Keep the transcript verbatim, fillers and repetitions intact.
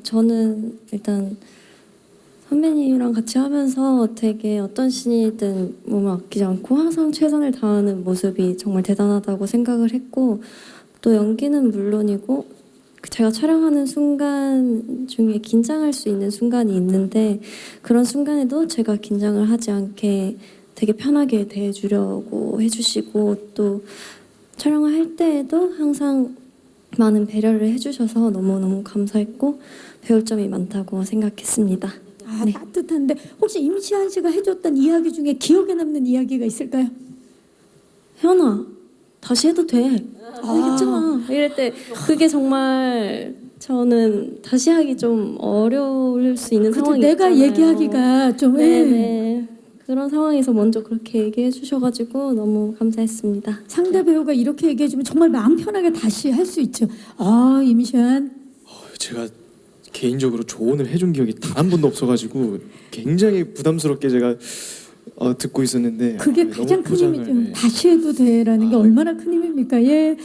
저는 일단 선배님이랑 같이 하면서 되게 어떤 신이든 몸을 아끼지 않고 항상 최선을 다하는 모습이 정말 대단하다고 생각을 했고, 또 연기는 물론이고 제가 촬영하는 순간 중에 긴장할 수 있는 순간이 있는데, 그런 순간에도 제가 긴장을 하지 않게 되게 편하게 대해주려고 해주시고, 또 촬영을 할 때에도 항상 많은 배려를 해주셔서 너무너무 감사했고 배울 점이 많다고 생각했습니다. 아, 네. 따뜻한데 혹시 임시완 씨가 해줬던 이야기 중에 기억에 남는 이야기가 있을까요? 혜연아, 다시 해도 돼. 아. 알겠잖아. 이럴 때 그게 정말 저는 다시 하기 좀 어려울 수 있는 그쵸, 상황이 내가 있잖아요. 얘기하기가 좀 예. 네네. 그런 상황에서 먼저 그렇게 얘기해 주셔가지고 너무 감사했습니다. 상대 배우가 이렇게 얘기해주면 정말 마음 편하게 다시 할 수 있죠. 아, 임시완. 어, 제가 개인적으로 조언을 해준 기억이 단 한 번도 없어가지고 굉장히 부담스럽게 제가 어, 듣고 있었는데 그게 아, 너무 가장 큰 포장을, 힘이죠. 네. 다시 해도 돼라는 게 얼마나 큰 힘입니까? 예.